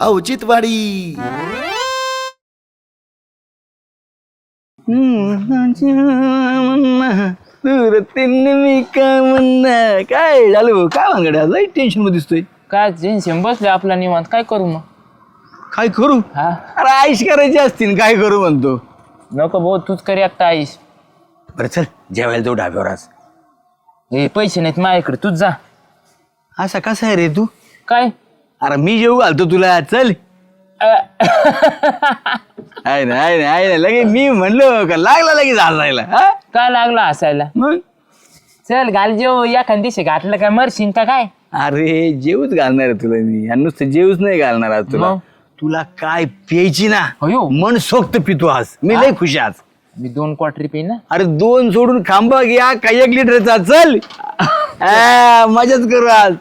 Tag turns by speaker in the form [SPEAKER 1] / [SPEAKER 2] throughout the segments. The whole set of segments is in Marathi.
[SPEAKER 1] औचित्यवाडी. काय झालं काय भानगड्या लई टेन्शन मध्ये दिसतोय.
[SPEAKER 2] काय टेन्शन बसले आपला निवांत काय करू मग
[SPEAKER 1] काय करू
[SPEAKER 2] हा
[SPEAKER 1] अरे आईश करायची असतील काय करू म्हणतो.
[SPEAKER 2] नको भाऊ तूच कर एकटा आईस
[SPEAKER 1] बरं चल जेवायला जाऊ ढाब्यावर आज.
[SPEAKER 2] हे पैसे नाहीत माझ्याकडे तूच जा.
[SPEAKER 1] असा कसा आहे रे तू.
[SPEAKER 2] काय
[SPEAKER 1] अरे मी जेवू घालतो तुला चल. आहे ना लगे मी म्हणलो का लागला लगेच हसायला.
[SPEAKER 2] काय लागला हसायला
[SPEAKER 1] मग
[SPEAKER 2] चल घाल जेव एखाद दिवशी घातलं काय मरशीन का काय.
[SPEAKER 1] अरे जेवूच घालणार आहे तुला मी आणि नुसतं जेवूच नाही घालणार आज तुला.
[SPEAKER 2] मग?
[SPEAKER 1] तुला काय प्यायची ना
[SPEAKER 2] अयो.
[SPEAKER 1] मन सोक्त पितो आज मी लय खुश आहे आज.
[SPEAKER 2] मी 2 क्वार्टर पिन ना.
[SPEAKER 1] अरे 2 सोडून खांबा घ्या काय 1 लिटरचा चल. मजाच करू आज.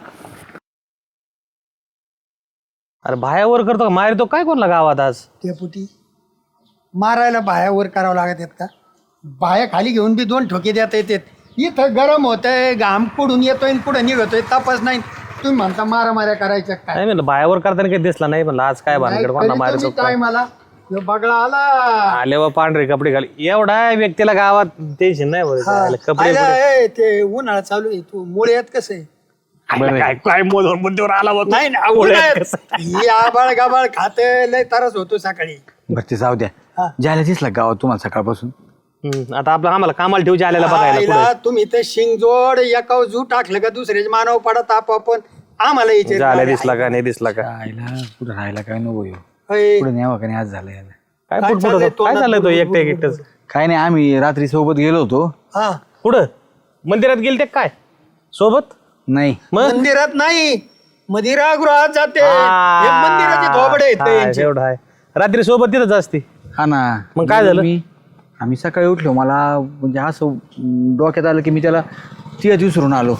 [SPEAKER 3] अरे बायावर करतो का मारतो काय कोणला गावात आज.
[SPEAKER 4] डेपुटी मारायला बाया वर करावं लागत आहेत का. बाया खाली घेऊन बी 2 ठोके देता येतात. इथं गरम होतंय घाम पुढून येतोय पुढे निघतोय तपास नाही तुम्ही म्हणता मारामाऱ्या करायच्या काय.
[SPEAKER 3] नाही म्हणलं बायावर करताना काही दिसला नाही म्हणलं आज काय भानगड कोणला मारतो
[SPEAKER 4] काय मला ह्यो बगळा आला
[SPEAKER 3] आले व पांढरे कपडे घाल एवढा व्यक्तीला गावात टेन्शन नाही बरं कपडे
[SPEAKER 4] आयला, ए, ते उन्हाळा चालू आहे तू मुळे आहेत कसं आहे.
[SPEAKER 3] काय काय मोदवर मुद्द्यावर आला होता.
[SPEAKER 4] नाही ना उन्हाळ्यात ही आबाळ गाबाळ खाते लय तरच होतो सकाळी.
[SPEAKER 1] बरं ते जाऊ द्या ज्याला दिसला गावात तुम्हाला सकाळपासून.
[SPEAKER 3] आता आपलं आम्हाला कामाला ठेवचे आलेला बघायला
[SPEAKER 4] आईला तुम्ही ते शिंगजोड एकाव जू टाकलं का दुसऱ्याचे मानव पडत आपण आम्हाला
[SPEAKER 3] पुढे झाल्या दिसला का नाही दिसला का
[SPEAKER 1] आईला कुठं राहायला काय नको येऊ
[SPEAKER 4] होय.
[SPEAKER 1] पुढे न्यावं का नाही आज झालं याला.
[SPEAKER 3] काय
[SPEAKER 4] काय
[SPEAKER 3] पुटपुट
[SPEAKER 4] चाललंय
[SPEAKER 3] होतं? काय झालं तो एकटंच
[SPEAKER 1] काय नाही आम्ही रात्री सोबत गेलो होतो.
[SPEAKER 4] हा
[SPEAKER 3] कुठं मंदिरात गेल ते काय सोबत
[SPEAKER 1] नाही
[SPEAKER 3] मग
[SPEAKER 4] मंदिरात नाही मदिरागृहात जाते हे मंदिराचे थोबडे आहेत ते यांचे.
[SPEAKER 3] एवढं आहे रात्री सोबत तिथंच असते.
[SPEAKER 1] हा ना
[SPEAKER 3] मग काय झालं?
[SPEAKER 1] आम्ही सकाळी उठलो मला म्हणजे असं डोक्यात आलं की मी त्याला तिघाच विसरून आलो.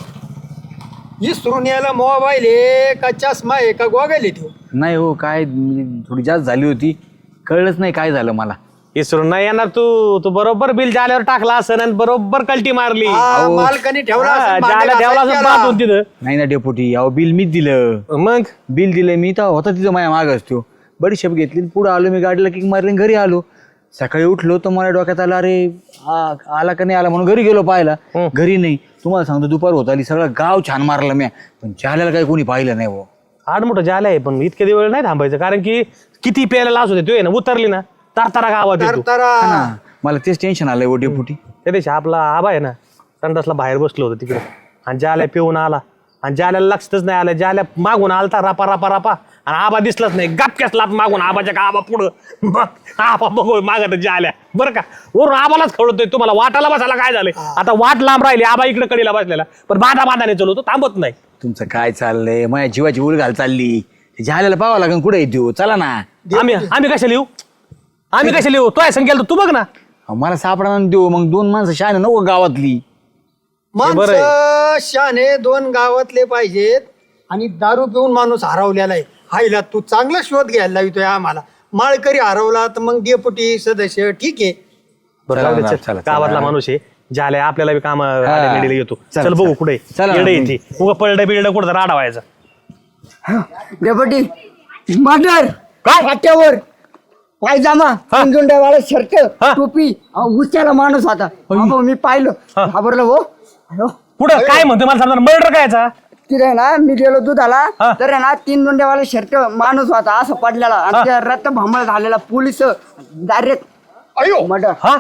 [SPEAKER 4] इसरून यायला मोबाईल आहे का चष्मा आहे का गोगल आहे तो.
[SPEAKER 1] नाही हो काय म्हणजे थोडी जास्त झाली होती कळलंच नाही काय झालं मला.
[SPEAKER 3] इसरून नाही येणार तू बरोबर बिल जाल्यावर टाकला असं आणि बरोबर कल्टी मारली
[SPEAKER 4] हा, मालकाने ठेवला असेल भांडे
[SPEAKER 3] जाल्या ठेवला असं
[SPEAKER 4] घासायला.
[SPEAKER 3] बांधून तिथं
[SPEAKER 1] नाही ना डेपुटी अहो बिल मीच दिलं.
[SPEAKER 3] मग
[SPEAKER 1] बिल दिलं मी तर होता तिथं माझ्या माग असतो बडीशेप घेतली पुढे आलो मी गाडीला किक मारली घरी आलो. सकाळी उठलो तर मला डोक्यात आला अरे आला का नाही आला म्हणून घरी गेलो पाहायला. घरी नाही तुम्हाला सांगतो दुपार होत आली सगळं गाव छान मारलं मी पण जाल्याला काही कोणी पाहिलं नाही हो.
[SPEAKER 3] आड मोठं झालं आहे पण इतके दिवस नाही थांबायचं कारण की किती प्यायला लाच होते तो आहे ना उतरली ना तारतारा गावात येतो.
[SPEAKER 1] हा ना, मला तेच टेन्शन आलंय ओ डेपुटी.
[SPEAKER 3] त्या दिवशी आपला आबा आहे ना संडासला बाहेर बसलो होतो तिकडे आणि जाल्या पिऊन आला आणि जाल्याला लक्षच नाही आलं. जाल्या मागून आलता रापा रापा रापा आणि आबा दिसलाच नाही गपक्याच लात मागून आबाच्या का आबा पुढं आबा बघू मागत जाल्या बरं का वरून आबालाच खवडतोय तुम्हाला वाटाला बसायला काय झालंय. आता वाट लांब राहिली आबा इकडे कडीला बसलेला पण बांधाने चलवतो थांबत नाही.
[SPEAKER 1] तुमचं काय चाललंय माझ्या जीवाची उलघाल चालली जाल्याला पाहावं लागेल कुठे येतो चला ना.
[SPEAKER 3] आम्ही कशा लिहू तो आहे संख्या तू बघ ना.
[SPEAKER 1] मला सापडा देऊ मग 2 माणसं शाने नको गावातली.
[SPEAKER 4] माणसं शाने 2 गावातले पाहिजेत आणि दारू पिऊन माणूस हरवलेला आहे. हायला तू चांगला शोध घ्यायला लावतोय आम्हाला. माळकरी हरवला तर मग डेपुटी सदस्य ठीक आहे.
[SPEAKER 3] बरं जाऊ दे, चल.
[SPEAKER 1] चला.
[SPEAKER 3] गावातला माणूस आहे झाल्या आपल्याला बी काम येतो.
[SPEAKER 1] चला,
[SPEAKER 3] चल बघू
[SPEAKER 1] चला.
[SPEAKER 3] कुठे
[SPEAKER 1] चला.
[SPEAKER 3] येडे येते उगा पळडं बिळडं कुठं राडा व्हायचा.
[SPEAKER 5] डेपुटी मर्डर काय फाट्यावर पायजामा झुंड्यावाला शर्ट टोपी उच्याला माणूस होता. अहो, मी पाहिलं घाबरलो हो. अहो,
[SPEAKER 3] पुढं काय म्हणतो मला समजा मर्डर कायचा.
[SPEAKER 5] तिथे ना मी गेलो दुधाला तर आहे ना 3 झुंड्यावाला शर्ट माणूस होता असं पडलेला आणि त्या रक्त भांबळ झालेला पोलीस डायरेक्ट
[SPEAKER 4] अयो
[SPEAKER 5] मर्डर
[SPEAKER 3] हा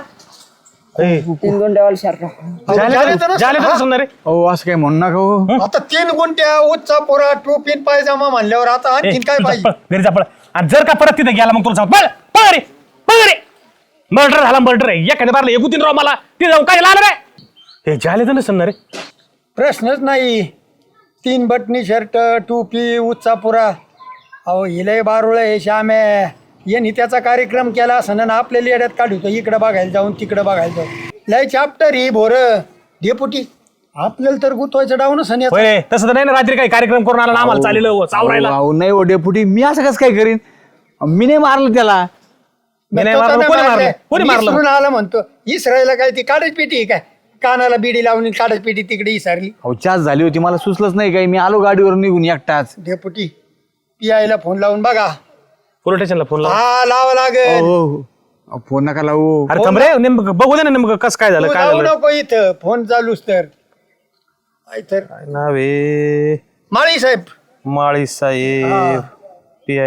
[SPEAKER 5] 3 झुंड्यावाला शर्ट.
[SPEAKER 3] झाले सुंदर रे.
[SPEAKER 1] हो असं काय म्हणू नका हो.
[SPEAKER 4] आता 3 गुंट्या उच्चा पोरा टोपीन पायजामा म्हणल्यावर आता आणखीन काय पाहिजे.
[SPEAKER 3] घरी जा पळ आणि जर का परत तिथे गेला मग तुला सांग पळ रे मर्डर झाला मर्डर आहे एखाद्या बारला एकूतीन राव मला ते जाऊन काय आलं रे. हे झाले तर नसेल ना रे.
[SPEAKER 4] प्रश्नच नाही. 3 बटनी शर्ट टोपी उच्चा पुरा. अहो हिलय बारुळ हे श्यामे यांनी त्याचा कार्यक्रम केला असं ना आपल्या लेड्यात काढतो इकडं बघायला जाऊन तिकडं बघायला जाऊन लय चॅप्टर ही भोर डेपुटी आपल्याला तर गुतवायचं डाऊन असं
[SPEAKER 3] होय तसं तर नाही ना रात्री काही कार्यक्रम करून आला ना आम्हाला चालेल चावरायला.
[SPEAKER 1] अहो, नाही हो डेपुटी मी असं कसं काय करीन मी नाही मारलं त्याला.
[SPEAKER 3] मी नाही मारलं, कोणी मारलं
[SPEAKER 4] इसरून आला म्हणतो इसरायला काय ती काढच पेटी काय कानाला बिडी लावून काढच पेटी तिकडे इसरली.
[SPEAKER 1] अहो चाच झाली होती मला सुचलंच नाही काही मी आलो गाडीवर निघून एकटाच.
[SPEAKER 4] डेपुटी पियायला फोन लावून बघा
[SPEAKER 3] पोलीस स्टेशनला फोन लाव.
[SPEAKER 4] हा लावा लागेल.
[SPEAKER 1] हो फोन नका लावू.
[SPEAKER 3] अरे थांब रे, नेमकं बघू दे ना नेमकं कसं काय झालं,
[SPEAKER 4] तू
[SPEAKER 3] काय
[SPEAKER 4] लावू
[SPEAKER 3] झालं.
[SPEAKER 4] नको इथं फोन चालूच तर. तर
[SPEAKER 3] काय नाव आहे?
[SPEAKER 4] माळी साहेब.
[SPEAKER 3] माळी साहेब PI.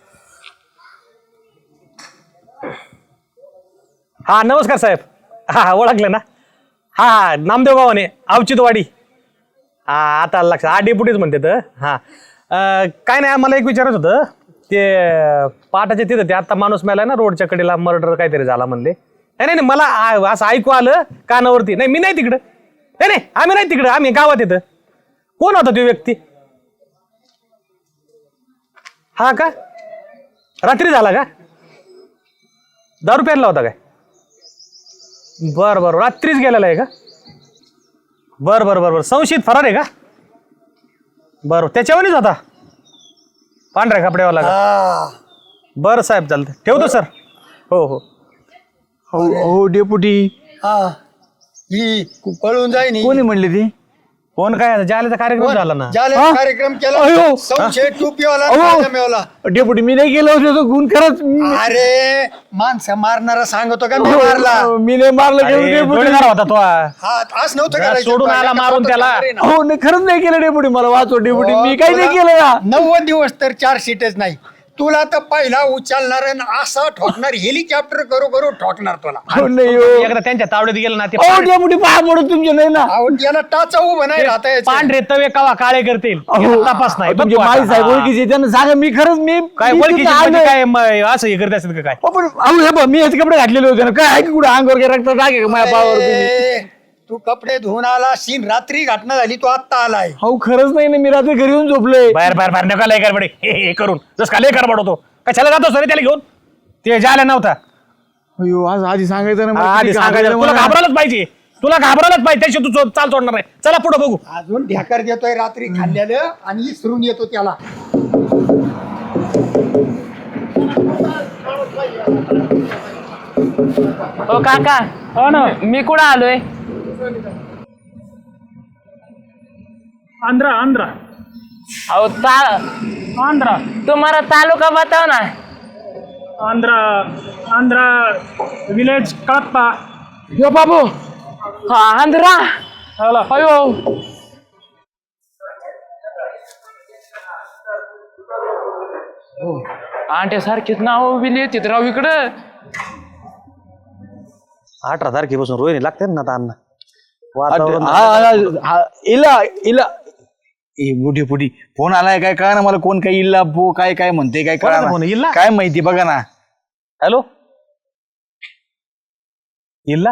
[SPEAKER 3] हा नमस्कार साहेब. हा ओळखलं ना. हा नामदेव गावाने अवचितवाडी. हा आता लक्षात. हा डेप्युटीच म्हणते तर. हा काय नाही मला एक विचारत होतं ते पाटाच्या तिथं ते आता माणूस मेलाय ना रोडच्या कडेला मर्डर काहीतरी झाला म्हणले. नाही नाही मला असं ऐकू आलं कानावरती. नाही मी नाही तिकडं. नाही नाही आम्ही नाही तिकडं, आम्ही गावात येतं. कोण होता तो व्यक्ती? हा का रात्री झाला का? दारू प्यायला होता काय? बर बर रात्रीच गेलेला आहे का? बर बर बर बर संशयित फरार आहे का? बरं त्याच्यावरच होता पांढऱ्या कपड्यावाला का?
[SPEAKER 4] हा
[SPEAKER 3] बरं साहेब चालतं ठेवतो सर. हो हो
[SPEAKER 1] हो डेपुटी.
[SPEAKER 4] हा ही पळून जाईन.
[SPEAKER 1] कोणी म्हणले ती?
[SPEAKER 3] कोण काय जायला कार्यक्रम झाला ना.
[SPEAKER 4] ज्याला
[SPEAKER 1] हा?
[SPEAKER 4] कार्यक्रम केला
[SPEAKER 1] अयो.
[SPEAKER 4] संशय टोपीवाला
[SPEAKER 1] अहो.
[SPEAKER 4] पाजामेवाला.
[SPEAKER 1] डेपुटी मी नाही गेलो होतो तो गुण खरंच
[SPEAKER 4] अरे माणसं मारणारा सांगतो का मी मारला.
[SPEAKER 1] मी नाही मारलं
[SPEAKER 3] अरे,
[SPEAKER 1] डेपुटी.
[SPEAKER 3] जोडीदार होता तो.
[SPEAKER 4] हा असं नव्हतं
[SPEAKER 3] घरात
[SPEAKER 4] करायचं.
[SPEAKER 3] सोडून आला मारून त्याला.
[SPEAKER 1] हो नाही खरंच नाही केलं डेपुटी. मला वाचव डेपुटी. मी काही नाही केलं ना.
[SPEAKER 4] 90 दिवस तर 4 सीटच नाही. तुला तर पहिला उचलणार आणि असा ठोकणार हेलिकॉप्टर करू करू ठोकणार तुला.
[SPEAKER 1] हो नाही हो.
[SPEAKER 3] एकदा त्यांच्या तावडीत गेलं ना ते
[SPEAKER 1] हो डेपुटी पाया पडत तुमचे नाही ना.
[SPEAKER 4] अहो, याला टाचा उभं नाही राहता यायचं.
[SPEAKER 3] पांढरे तवे कवा काळे करतील
[SPEAKER 1] अहो,
[SPEAKER 3] तपास नाही.
[SPEAKER 1] तुमचे
[SPEAKER 3] बघ तू
[SPEAKER 1] माई
[SPEAKER 3] आता.
[SPEAKER 1] साहेब ओळखीचे त्यांना सांगा मी खरंच मी
[SPEAKER 3] काय
[SPEAKER 1] मी
[SPEAKER 3] ओळखीचे
[SPEAKER 1] तिथं
[SPEAKER 3] म्हणजे
[SPEAKER 1] आलोय.
[SPEAKER 3] काय असं हे करत असेल का काय?
[SPEAKER 1] हो, पण अहो हे बघ, मी याचे कपडे घातलेले होते ना. काय आहे की कुठे अंगावर काय रक्त टाके का माझ्या पावावर तुम्ही?
[SPEAKER 4] ए, तू कपडे धुवून आला सीन रात्री घटना झाली तू आत्ता आलाय.
[SPEAKER 1] हो खरंच नाही ना. मी रात्री घरी येऊन झोपलोय.
[SPEAKER 3] बाहेर बाहेर बाहेर नका लय गडबडे हे करून जस का लय गडबड होतो. कशाला जातो सर त्याला घेऊन? ते जायला नव्हता.
[SPEAKER 1] अयो आज आधी सांगायचं ना मला.
[SPEAKER 3] आधी
[SPEAKER 1] किती
[SPEAKER 3] सांगायचं
[SPEAKER 1] घाबरलं
[SPEAKER 3] तुला
[SPEAKER 1] मला.
[SPEAKER 3] घाबरायलाच पाहिजे. तुला घाबरायलाच पाहिजे त्याशी तू चाल सोडणार नाही. चला पुढे बघू.
[SPEAKER 4] अजून ढेकर देतोय रात्री खाल्लेलं आणि इसरून येतो त्याला.
[SPEAKER 2] हो काका. हो ना मी कुठं आलोय?
[SPEAKER 6] आंध्रा आंध्रा
[SPEAKER 2] अहो
[SPEAKER 6] आंध्रा
[SPEAKER 2] तुम्हाला तालुका बताव ना.
[SPEAKER 6] आंध्रा आंध्रा विलेज कळप्पा.
[SPEAKER 1] यो बाबू
[SPEAKER 2] हा आंध्रा.
[SPEAKER 6] हॅलो
[SPEAKER 2] अयो आंटे सारखीच नाव बिली येते राव इकडं.
[SPEAKER 3] 18 तारखेपासून रोहिणी लागते ना आता अण्णा.
[SPEAKER 1] इला इला बुढी पुढी फोन आलाय काय कळा ना मला. कोण काय इल्ला बो काय काय म्हणते काय कळा
[SPEAKER 3] कोणाचा फोन आहे? इल्ला?
[SPEAKER 1] काय माहिती बघा ना.
[SPEAKER 3] हेलो इल्ला.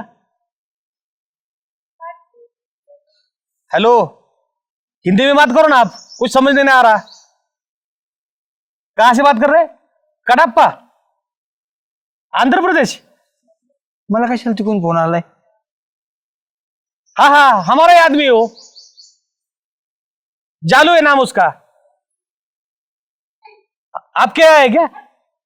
[SPEAKER 3] हेलो हिंदी में बात करो ना आप. कुछ समझने नहीं आ रहा. कहाँ से बात कर रहे? कड़प्पा आंध्र प्रदेश.
[SPEAKER 1] मला कशाला तिकडून फोन आलाय?
[SPEAKER 3] हाँ हाँ हमारा ही आदमी हो. जालू है नाम उसका. आप क्या है क्या?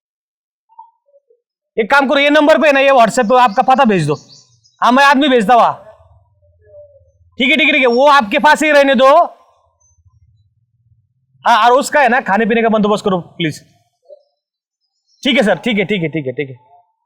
[SPEAKER 3] एक काम करो ये नंबर पे ना ये व्हाट्सएप पे आपका पता भेज दो. हाँ मैं आदमी भेजता हुआ. ठीक है ठीक है ठीक है वो आपके पास ही रहने दो. हाँ और उसका है ना खाने पीने का बंदोबस्त करो प्लीज. ठीक है सर ठीक है ठीक है ठीक है ठीक है.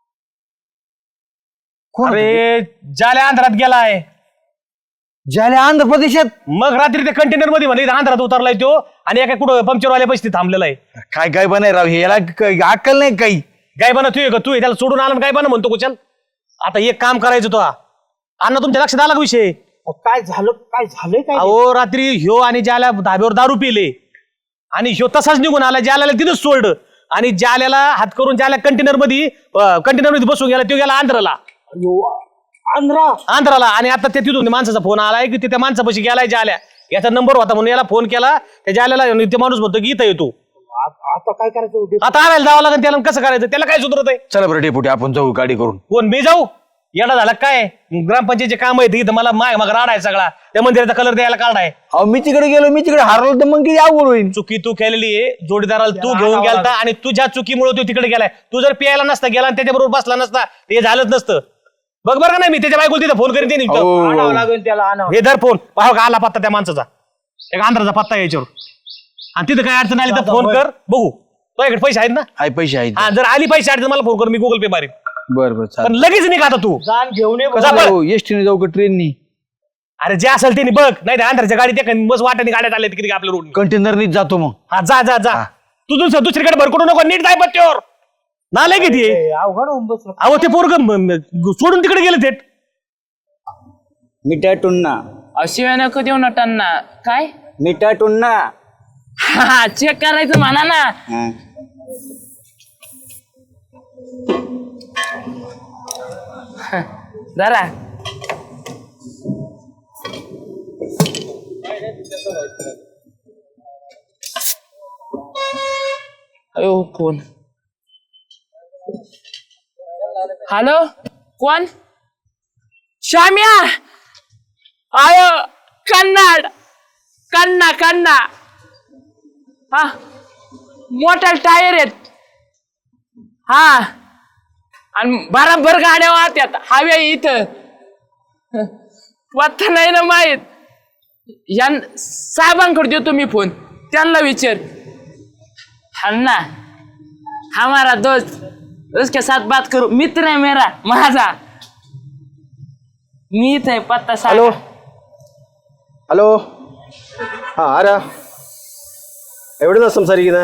[SPEAKER 3] अरे जाल्या आंध्रात गेला आहे.
[SPEAKER 1] झाले आंध्र प्रदेशात.
[SPEAKER 3] मग रात्री ते कंटेनर मध्ये म्हणले इथं आंध्रात उतरलाय तो आणि एका कुठं पंक्चरवाल्या पैसे थांबलेला आहे.
[SPEAKER 1] काय काय बनाय राव हे. याला अक्कल नाही काही.
[SPEAKER 3] गाय बना तू तू त्याला सोडून आला गाय बना म्हणतो कुचल. आता एक काम करायचं तो अण्णा तुमच्या लक्षात आला का विषय?
[SPEAKER 6] काय झालंय काय?
[SPEAKER 3] अहो रात्री ह्यो आणि ज्याला धाब्यावर दारू पिले आणि ह्यो तसाच निघून आला. ज्याला तिथंच सोडलं आणि ज्याला हात करून ज्याला कंटेनर मध्ये बसून गेला तो गेला आंध्राला. आंध्राला आणि आता ते तिथून माणसाचा फोन आलाय की त्या माणसापाशी गेलाय ज्याला. याचा नंबर होता म्हणून याला फोन केला. त्या ज्याला ते माणूस म्हणतो की इथं येतो.
[SPEAKER 6] आता काय करायचं?
[SPEAKER 3] आता आणायला जावं लागेल त्याला. कसं करायचं त्याला काय सुधरत आहे?
[SPEAKER 1] चला बरं डेपुटी आपण जाऊ गाडी करून.
[SPEAKER 3] कोण मी जाऊ? येडा झाला काय? ग्रामपंचायतीचे काम आहे इथं मला मग राडा आहे सगळा. त्या मंदिराचा कलर द्यायला काढाय.
[SPEAKER 1] अहो मी तिकडे गेलो मी तिकडे हरवलं तर मग किती अवघड होईल.
[SPEAKER 3] चुकी तू केलेली आहे. जोडीदाराला तू घेऊन गेलता आणि तुझ्या चुकीमुळे तू तिकडे गेलाय. तू जर पियायला नसता गेला आणि त्याच्याबरोबर बसला नसता ते झालंच नसतं. बघ बरं का नाही मी त्याच्या बायकोला तिथं फोन करीन ते
[SPEAKER 6] आणावं लागेल त्याला आणावं.
[SPEAKER 3] हे धर फोन पाहा का आला पत्ता त्या माणसाचा. एक आंध्राचा पत्ता याच्यावर आणि तिथं काय अडचण आली तर फोन कर बघू. तुझ्याकडे पैसे आहेत ना?
[SPEAKER 1] हाय पैसे आहेत.
[SPEAKER 3] हा, जर आली पैसे आहेत तर मला फोन कर, मी गुगल पे मारीन.
[SPEAKER 1] बरं बरं
[SPEAKER 3] पण
[SPEAKER 1] चालेल.
[SPEAKER 3] लगेच निघा आता तू.
[SPEAKER 6] जाण घेऊन ये बघ.
[SPEAKER 3] जा बरं.
[SPEAKER 1] एसटीने जाऊ का ट्रेननी?
[SPEAKER 3] अरे जे असेल ते बघ, नाही तर अंधारच्या गाडीत बस वाटाने गाड्यात आले किती आपल्या रोड.
[SPEAKER 1] कंटेनरनीच जातो मग.
[SPEAKER 3] हा जा जा जा. तू दुसरीकडे भरकडू नको, नीट जाय पत्त्यावर. नाले किती आहे?
[SPEAKER 6] अवघड होऊन बसलं.
[SPEAKER 3] अहो ते पोरग सोडून तिकडे गेले थेट.
[SPEAKER 5] मिठा टुन्ना
[SPEAKER 2] शिवाय नको देऊ नटांना. काय
[SPEAKER 5] मिठा टुन्ना.
[SPEAKER 2] हा चेक करायचं म्हणा ना. जरा अयो फोन. हॅलो कोण? श्याम्या. आयो कन्नाड. कन्ना हा मोठा टायर आहेत. हा आणि बराबर गाड्या वाहत्यात हव्या इथं. पत्ता नाही ना माहीत. या साहेबांकडे देतो मी फोन, त्यांना विचार. ना हमारा दोस्त उसके साथ बात करू. मित्र है मेरा माझा. मी इथं आहे पत्ता
[SPEAKER 7] हॅलो
[SPEAKER 2] सांग.
[SPEAKER 7] हॅलो हाँ आ रहा एवढे ना संसारी की ना.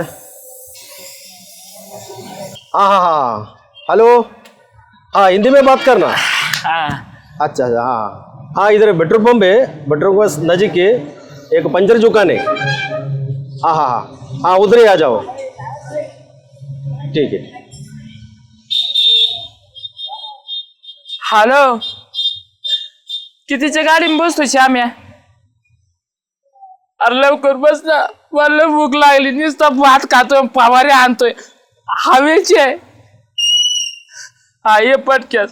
[SPEAKER 7] हाँ हाँ हाँ हेलो हाँ हिंदी में बात करना.
[SPEAKER 2] हाँ
[SPEAKER 7] अच्छा अच्छा हाँ हाँ इधर पेट्रोल पंप है. पेट्रोल पंप नज़दीक है. एक पंचर दुकान है. हाँ हाँ हाँ हाँ उधर ही आ जाओ. ठीक है.
[SPEAKER 2] हॅलो कितीच्या गाडीत बसतो श्याम्या? अरे लवकर बस ना, मला भूक लागली. नुसता भात खातोय, फवारे आणतोय हवेचे. हा ये पटक्यात.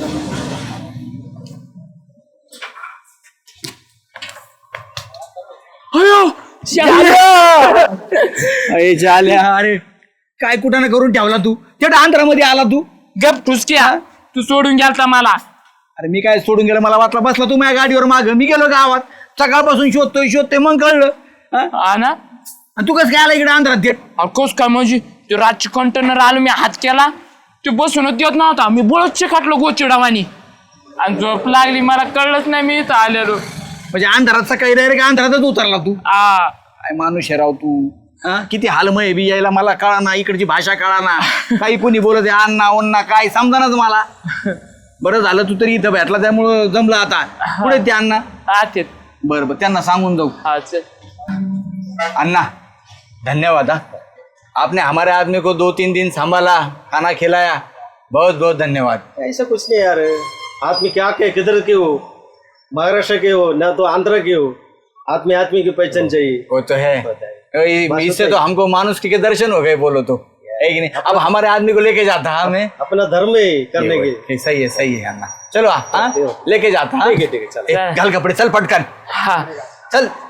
[SPEAKER 2] अयो श्याम्या.
[SPEAKER 1] अरे झाल्या. अरे काय कुठं ना करून ठेवला तू? तेवढ्या आंध्रामध्ये आला तू.
[SPEAKER 2] गप ठुसक्या. तू सोडून गेलता मला.
[SPEAKER 1] अरे मी काय सोडून गेलं? मला वाटलं बसला तू माझ्या गाडीवर माग. मी गेलो गावात, सकाळपासून शोधतोय मग कळलं. हा?
[SPEAKER 2] हा ना.
[SPEAKER 1] आणि तू कसं काय आला इकडे आंध्रात थेट?
[SPEAKER 2] अकोस काय म्हणजे ते रातचे कंटेनर आलो, मी हात केला, ते बसूनच देत नव्हता. मी बोळच खाटलो गोचिडावानी आणि झोप लागली. मला कळलंच नाही मी इथं आलेलो.
[SPEAKER 1] म्हणजे अंधारात सकाळी डायरेक्ट अंधारातच उतरला तू.
[SPEAKER 2] आ
[SPEAKER 1] काय माणूस आहे राव तू. हा किती हालमय बी यायला मला कळा ना, इकडची भाषा कळा ना, काही कोणी बोलत आहे अण्णा ओन्ना काय समजानाच मला. बरं झालं तू तरी इथं भेटला, त्यामुळं जमलं. आता पुढे ते अण्णा.
[SPEAKER 2] आते.
[SPEAKER 1] बरं त्यांना सांगून जाऊ.
[SPEAKER 2] हा चल.
[SPEAKER 1] अन्ना धन्यवाद. आपने हमारे आदमी को 2-3 दिन संभाला, खाना खिलाया, बहुत बहुत धन्यवाद.
[SPEAKER 7] ऐसा कुछ नहीं यार. आदमी क्या के किधर के हो, महाराष्ट्र के हो ना तो आंध्र के हो, आदमी आदमी की पहचान चाहिए.
[SPEAKER 1] वो तो है. इससे तो हमको मानुष के दर्शन हो गए बोलो तो, है कि नहीं? अब हमारे आदमी को लेके जाता है हमें.
[SPEAKER 7] अपना धर्म है करने के.
[SPEAKER 1] सही है अन्ना. चलो हाँ लेके जाता.
[SPEAKER 7] ठीक है चलो.
[SPEAKER 1] घाल कपडे, चल पटकन
[SPEAKER 2] हा
[SPEAKER 1] चल.